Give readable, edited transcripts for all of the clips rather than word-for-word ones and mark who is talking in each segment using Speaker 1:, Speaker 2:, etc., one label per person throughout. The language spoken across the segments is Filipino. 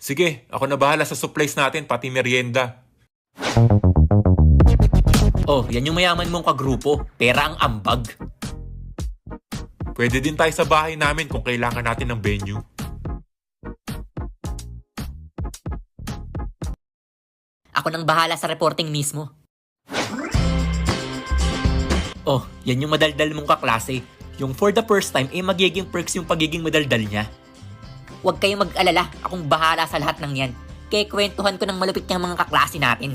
Speaker 1: Sige, ako na bahala sa supplies natin, pati merienda.
Speaker 2: Oh, yan yung mayaman mong kagrupo. Pera ang ambag.
Speaker 1: Pwede din tayo sa bahay namin kung kailangan natin ng venue.
Speaker 3: Ako nang bahala sa reporting mismo.
Speaker 2: Oh, yan yung madaldal mong kaklase. Yung for the first time, magiging perks yung pagiging madaldal niya.
Speaker 3: Huwag kayong mag-alala, akong bahala sa lahat ng yan. Kaya kwentuhan ko ng malupit niyang mga kaklase natin.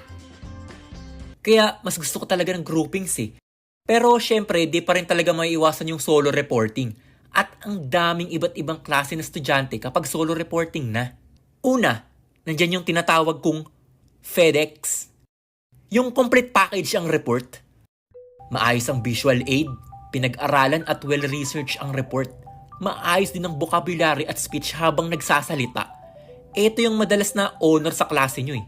Speaker 2: Kaya mas gusto ko talaga ng groupings eh. Pero syempre, di pa rin talaga maiiwasan yung solo reporting. At ang daming iba't ibang klase na estudyante kapag solo reporting na. Una, nandyan yung tinatawag kong FedEx. Yung complete package ang report. Maayos ang visual aid, pinag-aralan at well-researched ang report. Maayos din ang vocabulary at speech habang nagsasalita. Ito yung madalas na honor sa klase nyo eh.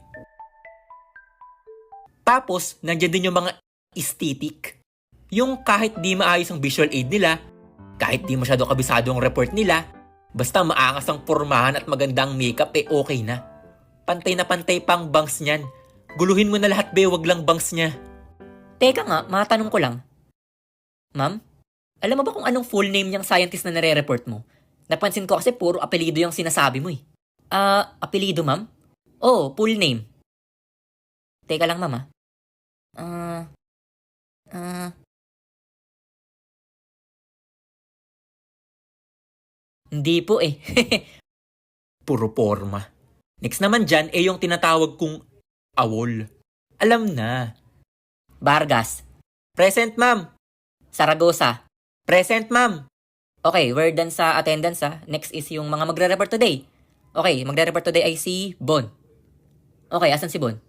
Speaker 2: Tapos, nandyan din yung mga aesthetic. Yung kahit di maayos ang visual aid nila, kahit di masyado kabisado ang report nila, basta maangas ang pormahan at magandang makeup okay na. Pantay na pantay pang bangs niyan. Guluhin mo na lahat wag lang bangs niya.
Speaker 3: Teka nga, matanong ko lang. Ma'am, alam mo ba kung anong full name niyang scientist na nare-report mo? Napansin ko kasi puro apelido yung sinasabi mo eh. Apelido ma'am? Oo, full name. Teka lang ma'am Hindi po eh.
Speaker 2: Puro porma. Next naman dyan yung tinatawag kong awol. Alam na.
Speaker 3: Vargas.
Speaker 2: Present ma'am.
Speaker 3: Saragosa.
Speaker 2: Present ma'am.
Speaker 3: Okay, we're done sa attendance Next is yung mga magre-report today. Okay, magre-report today ay si Bon. Okay, asan si Bon?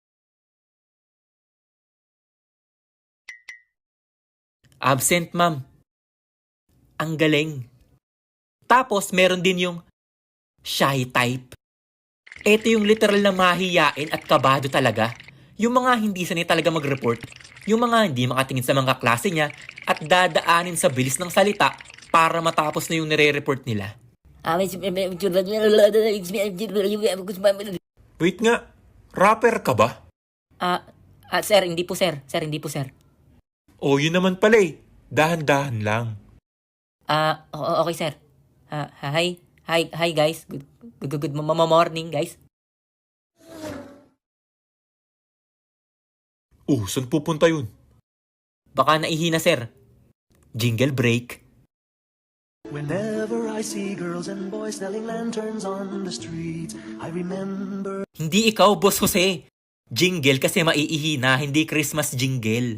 Speaker 2: Absent ma'am. Ang galing. Tapos meron din yung shy type. Ito yung literal na mahiyain at kabado talaga. Yung mga hindi sanay talaga mag-report. Yung mga hindi makatingin sa mga klase niya at dadaanin sa bilis ng salita para matapos na yung nire-report nila.
Speaker 1: Wait nga, rapper ka ba?
Speaker 3: Sir, hindi po sir. Sir, hindi po sir.
Speaker 1: O yun naman pala eh, dahan-dahan lang.
Speaker 3: Okay sir. Hi guys. Good morning guys.
Speaker 1: Saan pupunta yun?
Speaker 2: Baka naihina sir. Jingle break.
Speaker 4: Whenever I see girls and boys selling lanterns on the streets, I remember...
Speaker 2: Hindi ikaw, Boss Jose. Jingle kasi maiihina, hindi Christmas jingle.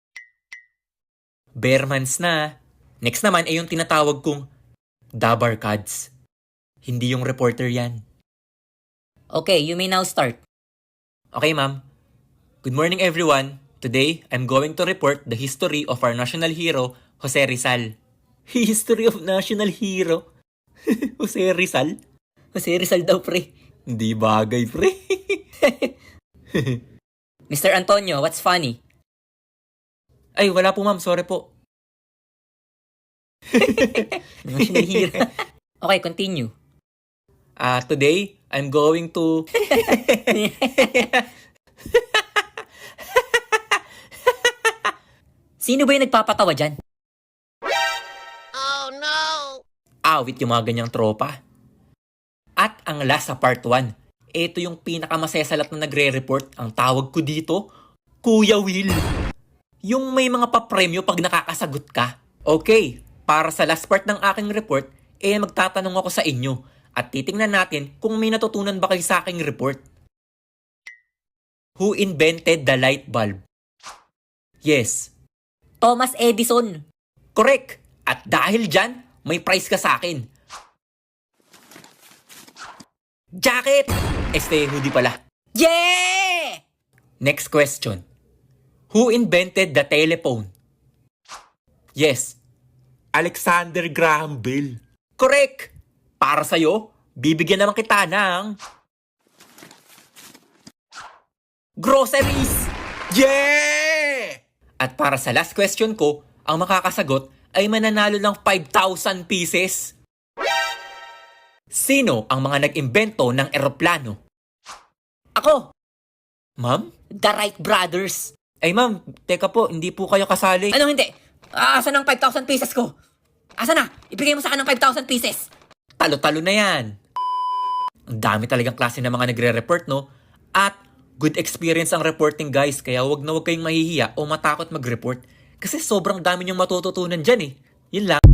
Speaker 2: Bearmans na. Next naman ay yung tinatawag kong Dabarkads. Hindi yung reporter yan.
Speaker 3: Okay, you may now start.
Speaker 2: Okay, ma'am. Good morning, everyone. Today, I'm going to report the history of our national hero, Jose Rizal. History of national hero? Jose Rizal?
Speaker 3: Jose Rizal daw, pre.
Speaker 2: Hindi bagay, pre.
Speaker 3: Mr. Antonio, what's funny?
Speaker 2: Ay, wala po, ma'am. Sorry po.
Speaker 3: National hero. Okay, continue.
Speaker 2: Today, I'm going to...
Speaker 3: Sino ba yung nagpapatawa dyan?
Speaker 2: Awit yung mga ganyang tropa. At ang last sa part 1, ito yung pinakamasesalat na nagre-report. Ang tawag ko dito, Kuya Will. Yung may mga papremyo pag nakakasagot ka. Okay, para sa last part ng aking report, magtatanong ako sa inyo at titingnan natin kung may natutunan ba kayo sa aking report. Who invented the light bulb? Yes.
Speaker 3: Thomas Edison.
Speaker 2: Correct. At dahil dyan, may prize ka sa akin. Jacket! Hoodie pala.
Speaker 3: Yeah!
Speaker 2: Next question. Who invented the telephone? Yes.
Speaker 1: Alexander Graham Bell.
Speaker 2: Correct! Para sa'yo, bibigyan naman kita ng... groceries!
Speaker 1: Yeah!
Speaker 2: At para sa last question ko, ang makakasagot ay mananalo ng 5,000 pieces. Sino ang mga nag-imbento ng eroplano?
Speaker 3: Ako,
Speaker 2: Ma'am?
Speaker 3: the Wright Brothers.
Speaker 2: Ay ma'am, teka po, hindi po kayo kasali.
Speaker 3: Anong hindi? Asan ang 5,000 pieces ko? Asa na? Ibigay mo sa akin ng 5,000 pieces.
Speaker 2: Talo-talo na yan. Ang dami talagang klase ng mga nagre-report, no? At good experience ang reporting, guys. Kaya wag na wag kayong mahihiya o matakot mag-report. Kasi sobrang dami niyong matututunan dyan, eh. Yun lang.